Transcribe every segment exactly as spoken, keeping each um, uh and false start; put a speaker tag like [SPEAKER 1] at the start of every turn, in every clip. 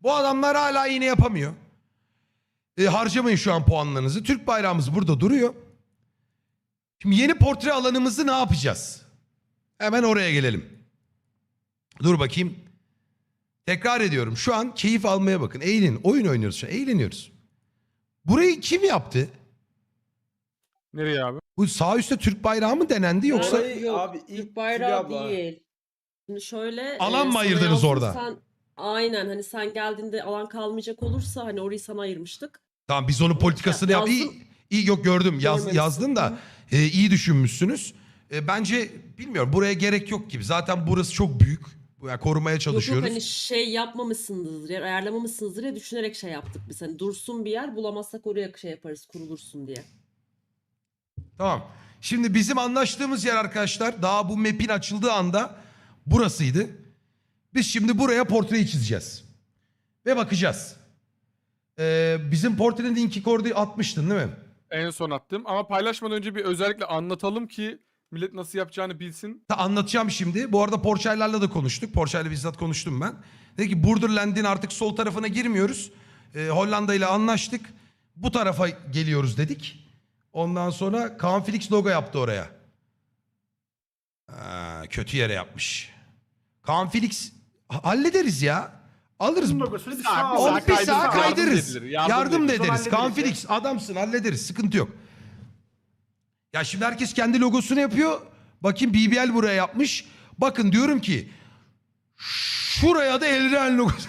[SPEAKER 1] Bu adamlar hala iğne yapamıyor. E, harcamayın şu an puanlarınızı. Türk bayrağımız burada duruyor. Şimdi yeni portre alanımızı ne yapacağız? Hemen oraya gelelim. Dur bakayım. Tekrar ediyorum. Şu an keyif almaya bakın. Eğlenin. Oyun oynuyoruz şu an. Eğleniyoruz. Burayı kim yaptı?
[SPEAKER 2] Nereye abi?
[SPEAKER 1] Bu sağ üstte Türk bayrağı mı denendi yoksa...
[SPEAKER 3] Orayı-
[SPEAKER 4] Yok,
[SPEAKER 3] abi, ilk
[SPEAKER 4] Türk bayrağı
[SPEAKER 3] Fulya abla.
[SPEAKER 4] değil. Şimdi şöyle
[SPEAKER 1] Alan mı
[SPEAKER 4] sana
[SPEAKER 1] ayırdınız
[SPEAKER 4] yazdım,
[SPEAKER 1] orada?
[SPEAKER 4] Sen, aynen hani sen geldiğinde alan kalmayacak olursa hani orayı sana ayırmıştık.
[SPEAKER 1] Tamam biz onun politikasını yap.
[SPEAKER 4] Yazdım.
[SPEAKER 1] İyi, iyi yok gördüm. Yaz,
[SPEAKER 4] Görmemişsin.
[SPEAKER 1] yazdın da e, iyi düşünmüşsünüz. E, bence bilmiyorum buraya gerek yok gibi. Zaten burası çok büyük. Yani korumaya
[SPEAKER 4] Yok
[SPEAKER 1] çalışıyoruz.
[SPEAKER 4] yok hani şey yapmamışsınızdır, ya, ayarlamamışsınızdır ya düşünerek şey yaptık biz. Hani dursun bir yer bulamazsak oraya şey yaparız kurulursun diye.
[SPEAKER 1] Tamam. Şimdi bizim anlaştığımız yer arkadaşlar daha bu map'in açıldığı anda burasıydı. Biz şimdi buraya portreyi çizeceğiz. Ve bakacağız. Ee, bizim portrenin linki kordu atmıştın değil mi?
[SPEAKER 2] En son attım ama paylaşmadan önce bir özellikle anlatalım ki millet nasıl yapacağını bilsin.
[SPEAKER 1] Ta anlatacağım şimdi. Bu arada Porçaylarla da konuştuk. Porçayla bizzat konuştum ben. Dedi ki Borderland'in artık sol tarafına girmiyoruz. Ee, Hollanda ile anlaştık. Bu tarafa geliyoruz dedik. Ondan sonra Kaan Felix logo yaptı oraya. Ha, kötü yere yapmış. Kaan Felix hallederiz ya. Alırız.
[SPEAKER 3] Bunun logosunu bir
[SPEAKER 2] Sağ-
[SPEAKER 3] sağa
[SPEAKER 1] Onu
[SPEAKER 3] alalım.
[SPEAKER 1] bir
[SPEAKER 2] kaydırırız,
[SPEAKER 1] sağa
[SPEAKER 2] yardım
[SPEAKER 1] kaydırırız.
[SPEAKER 2] edilir,
[SPEAKER 1] Yardım,
[SPEAKER 2] yardım
[SPEAKER 1] da
[SPEAKER 3] edilir.
[SPEAKER 1] ederiz. Kaan
[SPEAKER 3] Hallederiz ya.
[SPEAKER 1] Felix adamsın hallederiz. Sıkıntı yok. Ya şimdi herkes kendi logosunu yapıyor. Bakayım B B L buraya yapmış. Bakın diyorum ki şuraya da Elren logosu.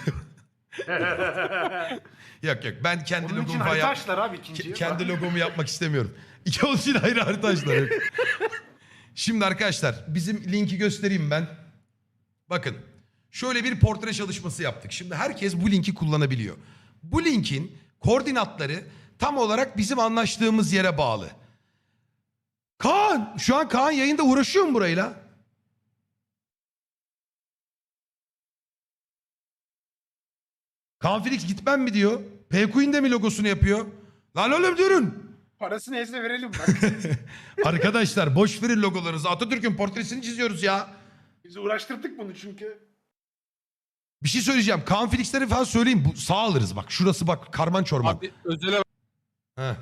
[SPEAKER 1] Yok yok ben kendi
[SPEAKER 3] Bunun için
[SPEAKER 1] logomu
[SPEAKER 3] harita
[SPEAKER 1] yap-
[SPEAKER 3] açtılar abi ikinciyi.
[SPEAKER 1] Ke- kendi logomu yapmak istemiyorum. İki onun için ayrı harita açtılar. Yok. Şimdi arkadaşlar bizim linki göstereyim ben. Bakın şöyle bir portre çalışması yaptık. Şimdi herkes bu linki kullanabiliyor. Bu linkin koordinatları tam olarak bizim anlaştığımız yere bağlı. Kaan şu an Kaan yayında uğraşıyor mu burayla? Kaan Felix gitmem mi diyor. P-Queen de mi logosunu yapıyor? Lan oğlum durun.
[SPEAKER 3] Parasını ezle verelim bak.
[SPEAKER 1] Arkadaşlar boş verin logolarınızı. Atatürk'ün portresini çiziyoruz ya.
[SPEAKER 3] Biz uğraştırdık bunu çünkü.
[SPEAKER 1] Bir şey söyleyeceğim. Kaan Felix'leri falan söyleyeyim. Bu, sağ alırız bak. Şurası bak karman çorman.
[SPEAKER 2] Abi özele
[SPEAKER 1] Heh.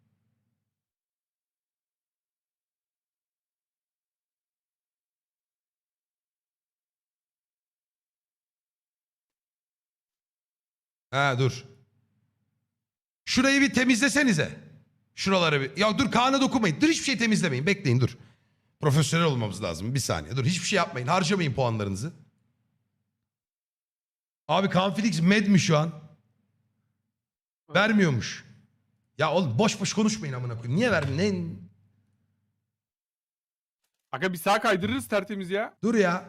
[SPEAKER 1] Ha dur. Şurayı bir temizlesenize. Şuraları bir. Ya dur Kaan'a dokunmayın. Dur hiçbir şey temizlemeyin. Bekleyin dur. Profesyonel olmamız lazım. Bir saniye. Dur hiçbir şey yapmayın. Harcamayın puanlarınızı. Abi Kaan Felix med mi şu an? Vermiyormuş. Ya oğlum boş boş konuşmayın amına koyayım. Niye vermiyorsun? Ne?
[SPEAKER 2] Aga bir sağa kaydırırız tertemiz ya.
[SPEAKER 1] Dur ya.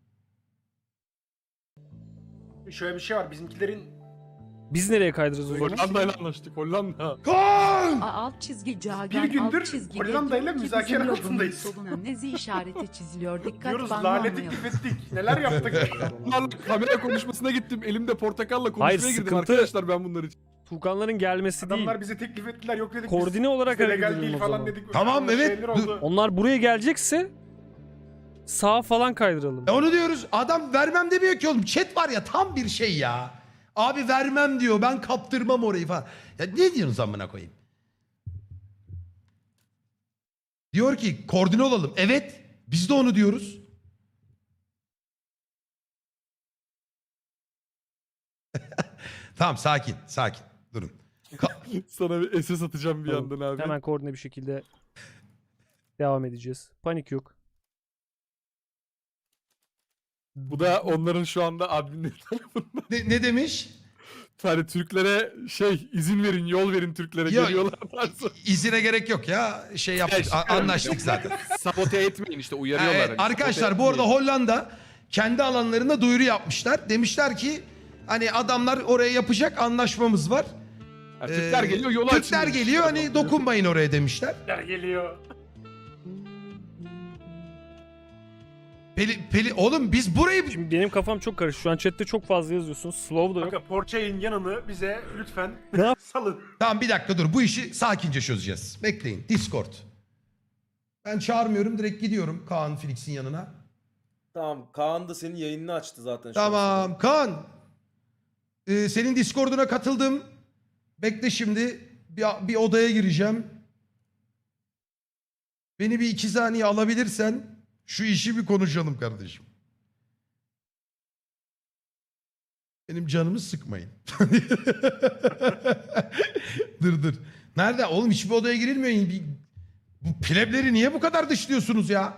[SPEAKER 3] Şöyle bir şey var bizimkilerin
[SPEAKER 5] Biz nereye kaydırırız o zaman?
[SPEAKER 2] Hollanda ile anlaştık Hollanda.
[SPEAKER 1] Kaan!
[SPEAKER 6] A- alt çizgi cagen
[SPEAKER 3] Bir gündür
[SPEAKER 6] alt çizgi
[SPEAKER 3] Hollanda ile
[SPEAKER 6] diyor ki
[SPEAKER 3] müzakere
[SPEAKER 6] bizim logonun
[SPEAKER 3] altındayız.
[SPEAKER 6] soluna nezi işareti çiziliyor. Dikkat
[SPEAKER 3] diyoruz
[SPEAKER 6] banlamayalım.
[SPEAKER 3] lanetlik ettik. Neler yaptık.
[SPEAKER 2] Bunlarla kamera konuşmasına gittim. Elimde portakalla konuşmaya
[SPEAKER 5] Hayır,
[SPEAKER 2] girdim
[SPEAKER 5] sıkıntı-
[SPEAKER 2] arkadaşlar ben bunlar için.
[SPEAKER 5] Tuğkanların gelmesi değil.
[SPEAKER 3] Adamlar bize teklif ettiler yok dedik.
[SPEAKER 5] Koordine olarak
[SPEAKER 3] biz de
[SPEAKER 5] hareket
[SPEAKER 3] legal
[SPEAKER 5] edelim
[SPEAKER 3] değil
[SPEAKER 5] o
[SPEAKER 3] falan
[SPEAKER 5] zaman.
[SPEAKER 3] dedik.
[SPEAKER 1] Tamam,
[SPEAKER 3] Öyle
[SPEAKER 1] evet,
[SPEAKER 3] şeyler
[SPEAKER 1] dur.
[SPEAKER 3] oldu.
[SPEAKER 5] Onlar buraya gelecekse sağa falan kaydıralım.
[SPEAKER 1] E onu diyoruz. Adam vermem demiyor ki oğlum. Chat var ya tam bir şey ya. Abi vermem diyor. Ben kaptırmam orayı falan. Ya ne diyorsunuz amına koyayım? Diyor ki koordine olalım. Evet. Biz de onu diyoruz. Tamam sakin. Sakin. Durun. Ka-
[SPEAKER 2] Sana bir S S atacağım bir
[SPEAKER 5] Tamam,
[SPEAKER 2] yandan abi.
[SPEAKER 5] Hemen koordine bir şekilde devam edeceğiz. Panik yok.
[SPEAKER 2] Bu da onların şu anda adminleri tarafından.
[SPEAKER 1] ne, ne demiş?
[SPEAKER 2] Hani Türklere şey izin verin yol verin Türklere
[SPEAKER 1] Ya,
[SPEAKER 2] geliyorlar tarzı.
[SPEAKER 1] İzine gerek yok ya. Şey yaptık. a- anlaştık zaten.
[SPEAKER 2] Sabote etmeyin işte
[SPEAKER 1] Ha,
[SPEAKER 2] uyarıyorlar.
[SPEAKER 1] evet.
[SPEAKER 2] hani,
[SPEAKER 1] Arkadaşlar
[SPEAKER 2] sabote
[SPEAKER 1] bu arada
[SPEAKER 2] etmeyin.
[SPEAKER 1] Hollanda kendi alanlarında duyuru yapmışlar. Demişler ki hani adamlar oraya yapacak anlaşmamız var.
[SPEAKER 2] Ha, Türkler
[SPEAKER 1] Ee,
[SPEAKER 2] geliyor yolu açın.
[SPEAKER 1] Türkler
[SPEAKER 2] demiş.
[SPEAKER 1] geliyor hani dokunmayın oraya demişler.
[SPEAKER 3] Türkler geliyor.
[SPEAKER 1] Peli, peli, oğlum biz burayı...
[SPEAKER 5] Şimdi benim kafam çok karışık. Şu an chatte çok fazla yazıyorsunuz. Slow da yok.
[SPEAKER 3] Bakın Porçay'ın yanını bize lütfen
[SPEAKER 5] Ne yap-
[SPEAKER 3] salın.
[SPEAKER 1] Tamam bir dakika dur bu işi sakince çözeceğiz. Bekleyin Discord. Ben çağırmıyorum direkt gidiyorum Kaan Felix'in yanına.
[SPEAKER 7] Tamam Kaan da senin yayınını açtı zaten. şu an.
[SPEAKER 1] Tamam Kaan. Ee, senin Discord'una katıldım. Bekle şimdi. Bir, bir odaya gireceğim. Beni bir iki saniye alabilirsen şu işi bir konuşalım kardeşim. Benim canımı sıkmayın. Dur dur. Nerede? Oğlum hiçbir odaya girilmiyor. Bir- Bu plebleri niye bu kadar dışlıyorsunuz ya?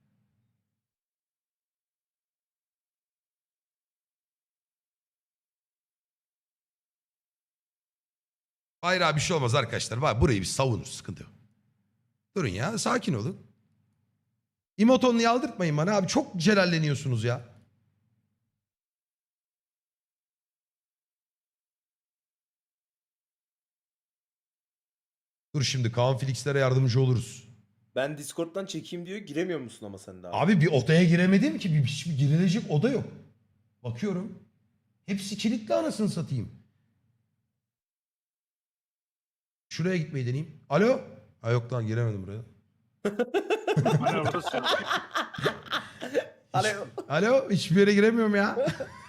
[SPEAKER 1] Hayır abi bir şey olmaz arkadaşlar. Bak burayı bir savunur. Sıkıntı yok. Durun ya. Sakin olun. İmotonluyu aldırtmayın bana abi. Çok celalleniyorsunuz ya. Dur şimdi Kaan Felix'lere yardımcı oluruz.
[SPEAKER 7] Ben Discord'dan çekeyim diyor. Giremiyor musun ama sen daha?
[SPEAKER 1] Abi bir odaya giremedim ki. Bir, hiçbir girilecek oda yok. Bakıyorum. Hepsi kilitli anasını satayım. Şuraya gitmeyi deneyeyim. Alo? Ha yok lan giremedim buraya.
[SPEAKER 3] Hala burası.
[SPEAKER 7] Alo.
[SPEAKER 1] Alo? Hiçbir yere giremiyorum ya.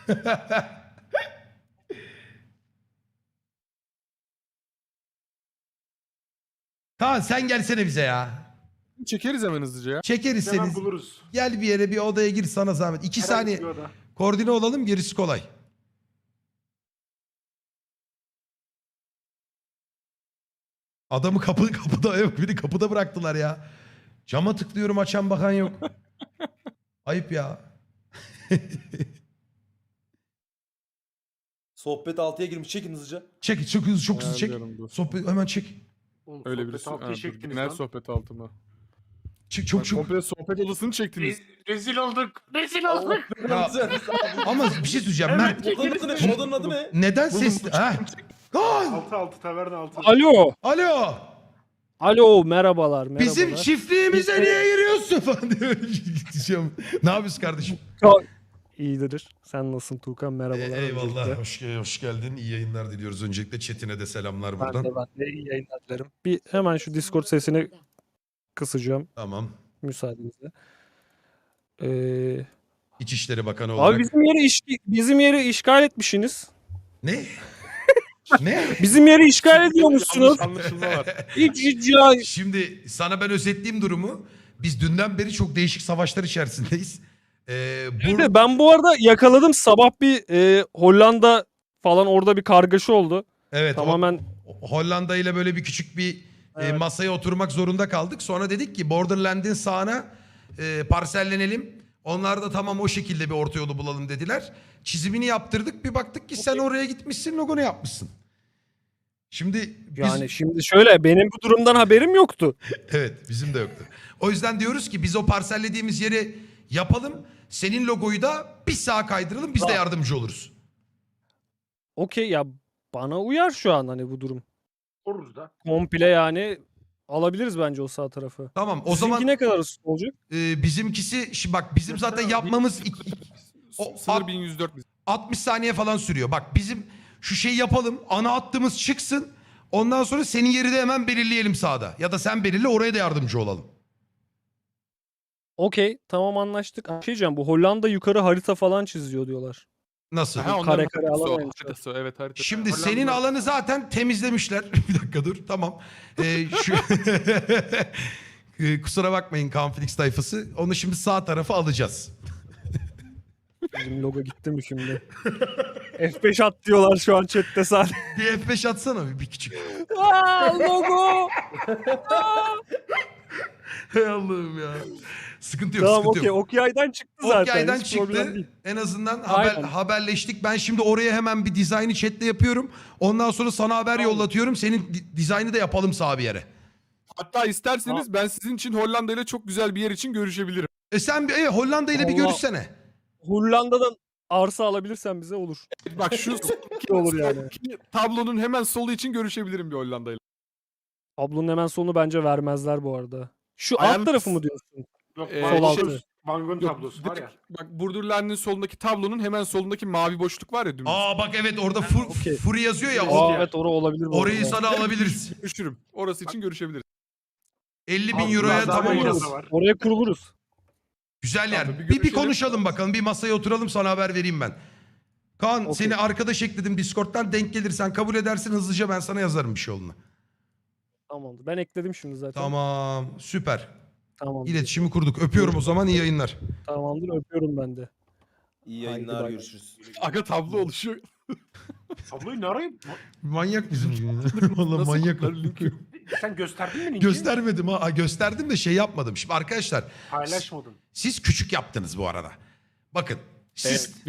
[SPEAKER 1] Kaan sen gelsene bize ya.
[SPEAKER 2] Çekeriz hemen hızlıca ya.
[SPEAKER 1] Çekeriz
[SPEAKER 3] Hemen
[SPEAKER 1] seni.
[SPEAKER 3] buluruz.
[SPEAKER 1] Gel bir yere bir odaya gir sana zahmet. İki
[SPEAKER 3] Herhangi
[SPEAKER 1] saniye
[SPEAKER 3] bir oda.
[SPEAKER 1] koordine olalım gerisi kolay. Adamı kapı kapıda yok. Beni kapıda bıraktılar ya. Cama tıklıyorum açan bakan yok. Ayıp ya.
[SPEAKER 7] Sohbet altıya girmiş. Çekin hızlıca.
[SPEAKER 1] Çek çok hızlı çok hızlı çek.
[SPEAKER 2] Ayarlıyorum, dur.
[SPEAKER 1] Sohbet hemen çek.
[SPEAKER 3] Oğlum,
[SPEAKER 2] Öyle
[SPEAKER 3] sohbet
[SPEAKER 2] birisi.
[SPEAKER 3] altıya
[SPEAKER 2] Ha, dur,
[SPEAKER 3] çektiniz
[SPEAKER 2] genel
[SPEAKER 3] lan.
[SPEAKER 2] sohbet altıma.
[SPEAKER 1] Çek çok
[SPEAKER 2] Bak,
[SPEAKER 1] çok.
[SPEAKER 2] komple sohbet odasını çektiniz.
[SPEAKER 3] Re- rezil olduk. Rezil olduk.
[SPEAKER 1] Ya, ama bir şey söyleyeceğim. Mert
[SPEAKER 7] Odanın adı ne? Odanın adı ne?
[SPEAKER 1] neden
[SPEAKER 2] Buldum,
[SPEAKER 1] sesli?
[SPEAKER 2] buldum.
[SPEAKER 1] Ha? Kaan!
[SPEAKER 3] Altı altı taverna altı.
[SPEAKER 5] Alo.
[SPEAKER 1] Alo!
[SPEAKER 5] Alo merhabalar merhabalar.
[SPEAKER 1] Bizim çiftliğimize niye giriyorsun falan diyor. Gideceğim. Ne yapıyorsun kardeşim?
[SPEAKER 5] İyidir. Sen nasılsın Tuğkan? Merhabalar.
[SPEAKER 1] E, eyvallah.
[SPEAKER 5] öncelikle.
[SPEAKER 1] Hoş, hoş geldin. İyi yayınlar diliyoruz. Öncelikle Çetin'e de selamlar
[SPEAKER 5] Ben
[SPEAKER 1] buradan.
[SPEAKER 5] de ben de iyi yayınlar dilerim. Bir hemen şu Discord sesini kısacağım
[SPEAKER 1] Tamam.
[SPEAKER 5] müsaadenizle. Ee,
[SPEAKER 1] İçişleri Bakanı olarak.
[SPEAKER 5] abi bizim yeri iş, bizim yeri işgal etmişsiniz.
[SPEAKER 1] Ne? ne?
[SPEAKER 5] Bizim yeri işgal ediyormuşsunuz.
[SPEAKER 2] Yanlış anlaşılma var.
[SPEAKER 5] Hiç hiç ya.
[SPEAKER 1] Şimdi sana ben özetleyeyim durumu. Biz dünden beri çok değişik savaşlar içerisindeyiz. Ee,
[SPEAKER 5] Bir
[SPEAKER 1] bur-
[SPEAKER 5] de ben bu arada yakaladım sabah bir e, Hollanda falan orada bir kargaşa oldu.
[SPEAKER 1] evet,
[SPEAKER 5] Tamamen
[SPEAKER 1] Ho- Hollanda ile böyle bir küçük bir e,
[SPEAKER 5] Evet.
[SPEAKER 1] masaya oturmak zorunda kaldık. Sonra dedik ki Borderland'in sağına e, parsellenelim. Onlar da tamam o şekilde bir orta yolu bulalım dediler. Çizimini yaptırdık. Bir baktık ki sen oraya gitmişsin, logonu yapmışsın. Şimdi biz...
[SPEAKER 5] yani şimdi şöyle benim bu durumdan haberim yoktu.
[SPEAKER 1] Evet, bizim de yoktu. O yüzden diyoruz ki biz o parsellediğimiz yeri yapalım. Senin logoyu da bir sağa kaydıralım. Biz de yardımcı oluruz.
[SPEAKER 5] Okey ya bana uyar şu an hani bu durum.
[SPEAKER 3] Koruruz da.
[SPEAKER 5] Komple yani alabiliriz bence o sağ tarafı.
[SPEAKER 1] Tamam. O
[SPEAKER 5] Sizinki
[SPEAKER 1] zaman
[SPEAKER 5] ne kadar ısı olacak?
[SPEAKER 1] e, bizimkisi şimdi bak bizim zaten yapmamız iki- iki- O-
[SPEAKER 2] Sınır
[SPEAKER 1] at-
[SPEAKER 2] bin yüz dört biz.
[SPEAKER 1] altmış saniye falan sürüyor. Bak bizim şu şeyi yapalım. Ana hattımız çıksın. Ondan sonra senin yeri de hemen belirleyelim sağda. Ya da sen belirle oraya da yardımcı olalım.
[SPEAKER 5] Okey tamam anlaştık. Bir şey diyeceğim bu Hollanda yukarı harita falan çiziyor diyorlar.
[SPEAKER 1] Nasıl?
[SPEAKER 2] Ha,
[SPEAKER 5] kare
[SPEAKER 2] onların
[SPEAKER 5] kare
[SPEAKER 2] haritası o,
[SPEAKER 5] alamayız.
[SPEAKER 2] haritası o, evet harita.
[SPEAKER 1] Şimdi
[SPEAKER 3] Hollanda-
[SPEAKER 1] senin alanı zaten temizlemişler. Bir dakika dur. Tamam. Ee, şu... Ee, Kusura bakmayın Kanflix tayfası. Onu şimdi sağ tarafa alacağız.
[SPEAKER 5] Bizim logo gitti mi şimdi? F beş at diyorlar şu an chatte sadece.
[SPEAKER 1] Bir F beş atsana bir, bir küçük.
[SPEAKER 5] Aa, logo.
[SPEAKER 1] Hay Allah'ım ya. Sıkıntı yok,
[SPEAKER 5] Tamam
[SPEAKER 1] sıkıntı
[SPEAKER 5] okey
[SPEAKER 1] yok.
[SPEAKER 5] Okyay'dan çıktı zaten.
[SPEAKER 1] Okyay'dan
[SPEAKER 5] hiç problem
[SPEAKER 1] çıktı.
[SPEAKER 5] değil.
[SPEAKER 1] En azından haber,
[SPEAKER 5] Aynen.
[SPEAKER 1] haberleştik. Ben şimdi oraya hemen bir dizaynı chatle yapıyorum. Ondan sonra sana haber yollatıyorum. Senin di- dizaynı da yapalım sağ bir yere.
[SPEAKER 2] Hatta isterseniz ben sizin için Hollanda ile çok güzel bir yer için görüşebilirim.
[SPEAKER 1] E sen bir e, Hollanda ile bir
[SPEAKER 5] Allah.
[SPEAKER 1] görüşsene.
[SPEAKER 5] Hollanda'dan arsa alabilirsen bize olur.
[SPEAKER 2] Bak şu
[SPEAKER 5] İyi olur yani.
[SPEAKER 2] tablonun hemen solu için görüşebilirim bir Hollanda ile.
[SPEAKER 5] Tablonun hemen sonunu bence vermezler bu arada. Şu alt
[SPEAKER 2] Ayağını-
[SPEAKER 5] tarafı mı diyorsun?
[SPEAKER 3] Yok,
[SPEAKER 2] Ee,
[SPEAKER 3] Van
[SPEAKER 5] sol altı.
[SPEAKER 3] Gogh- Van Gogh tablosu var ya.
[SPEAKER 2] Bak Borderland'in solundaki tablonun hemen solundaki mavi boşluk var ya dümdüz.
[SPEAKER 1] Aa bak evet orada fur,
[SPEAKER 5] okey.
[SPEAKER 1] Fury yazıyor ya.
[SPEAKER 3] Aa,
[SPEAKER 1] O,
[SPEAKER 5] Aa, evet orası olabilir. bu
[SPEAKER 1] orayı
[SPEAKER 5] arada.
[SPEAKER 1] sana alabiliriz.
[SPEAKER 2] Görüşürüm. Orası için görüşebiliriz.
[SPEAKER 1] elli bin
[SPEAKER 3] Abi,
[SPEAKER 1] euroya
[SPEAKER 3] biraz daha
[SPEAKER 1] tamam
[SPEAKER 3] beyaz
[SPEAKER 1] orası.
[SPEAKER 3] da var.
[SPEAKER 5] Oraya kuruluruz.
[SPEAKER 1] Güzel yer.
[SPEAKER 2] Tamam, bir
[SPEAKER 1] bir, bir
[SPEAKER 2] görüşelim.
[SPEAKER 1] konuşalım bakalım. Bir masaya oturalım sana haber vereyim ben. Kaan
[SPEAKER 5] Okey.
[SPEAKER 1] seni arkadaş ekledim Discord'dan, denk gelirsen kabul edersin, hızlıca ben sana yazarım bir şey olduğunu.
[SPEAKER 5] Tamamdır. Ben ekledim şimdi zaten.
[SPEAKER 1] Tamam, süper.
[SPEAKER 5] Tamamdır.
[SPEAKER 1] İletişimi kurduk. Öpüyorum o zaman, iyi yayınlar.
[SPEAKER 5] Tamamdır. Öpüyorum ben de.
[SPEAKER 7] İyi
[SPEAKER 5] Haydi
[SPEAKER 7] yayınlar,
[SPEAKER 5] bay.
[SPEAKER 7] görüşürüz.
[SPEAKER 2] Aga tablo oluşuyor.
[SPEAKER 3] Tabloyu ne arayayım?
[SPEAKER 1] Manyak bizim gibi. Valla
[SPEAKER 2] Nasıl
[SPEAKER 1] manyak.
[SPEAKER 2] kurtlar linki?
[SPEAKER 3] Sen gösterdin mi linki?
[SPEAKER 1] Göstermedim ha. Gösterdim de şey yapmadım. Şimdi arkadaşlar
[SPEAKER 3] Paylaşmadın.
[SPEAKER 1] siz küçük yaptınız bu arada. Bakın siz
[SPEAKER 2] Evet.